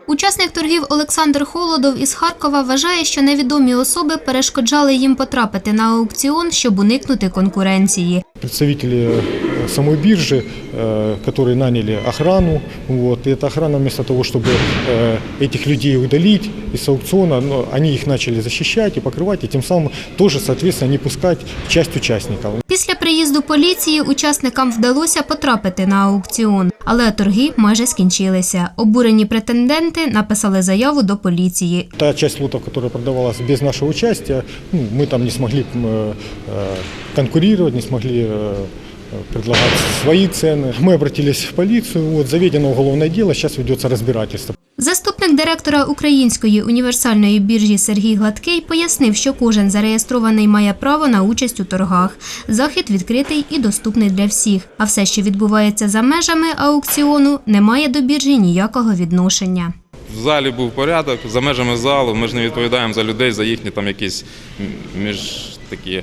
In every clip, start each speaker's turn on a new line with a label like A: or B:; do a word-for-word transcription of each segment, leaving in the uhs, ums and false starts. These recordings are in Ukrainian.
A: Учасник торгів Олександр Холодов із Харкова вважає, що невідомі особи перешкоджали їм потрапити на аукціон, щоб уникнути конкуренції.
B: Представители самой биржи, которые наняли охрану, вот, и эта охрана вместо того, чтобы этих людей удалить из аукциона, они их начали защищать и покрывать, и тем самым тоже, соответственно, не пускать часть участников.
A: Після приїзду поліції учасникам вдалося потрапити на аукціон, але торги майже скінчилися. Обурені претенденти написали заяву до поліції.
B: Та часть лотов, которая продавалась без нашего участия, ну, мы там не смогли конкурировать, не смогли предлагать свои цены. Мы обратились в полицию, вот, заведено уголовное дело, сейчас ведется разбирательство.
A: Заступник директора Української універсальної біржі Сергій Гладкий пояснив, що кожен зареєстрований має право на участь у торгах. Захід відкритий і доступний для всіх, а все, що відбувається за межами аукціону, не має до біржі ніякого відношення.
C: В залі був порядок, за межами залу ми ж не відповідаємо за людей, за їхні там якісь між такі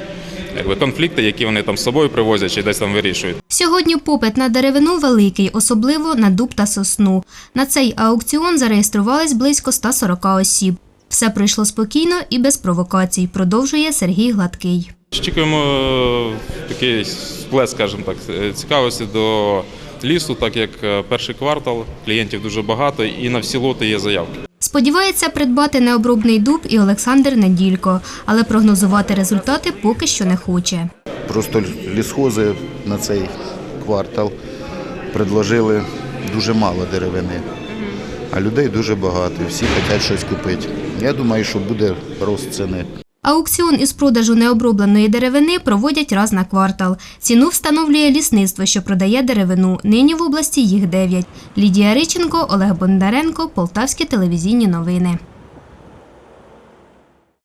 C: якби конфлікти, які вони там з собою привозять чи десь там вирішують.
A: Сьогодні попит на деревину великий, особливо на дуб та сосну. На цей аукціон зареєструвались близько ста сорока осіб. Все пройшло спокійно і без провокацій, продовжує Сергій Гладкий.
C: Очікуємо такий сплеск, скажімо так, цікавості до лісу, так як перший квартал, клієнтів дуже багато і на всі лоти є заявки.
A: Сподівається придбати необробний дуб і Олександр Неділько, але прогнозувати результати поки що не хоче.
D: Просто лісхози на цей квартал предложили дуже мало деревини, а людей дуже багато, всі хочуть щось купити. Я думаю, що буде рост ціни.
A: Аукціон із продажу необробленої деревини проводять раз на квартал. Ціну встановлює лісництво, що продає деревину. Нині в області їх дев'ять. Лідія Риченко, Олег Бондаренко, Полтавські телевізійні новини.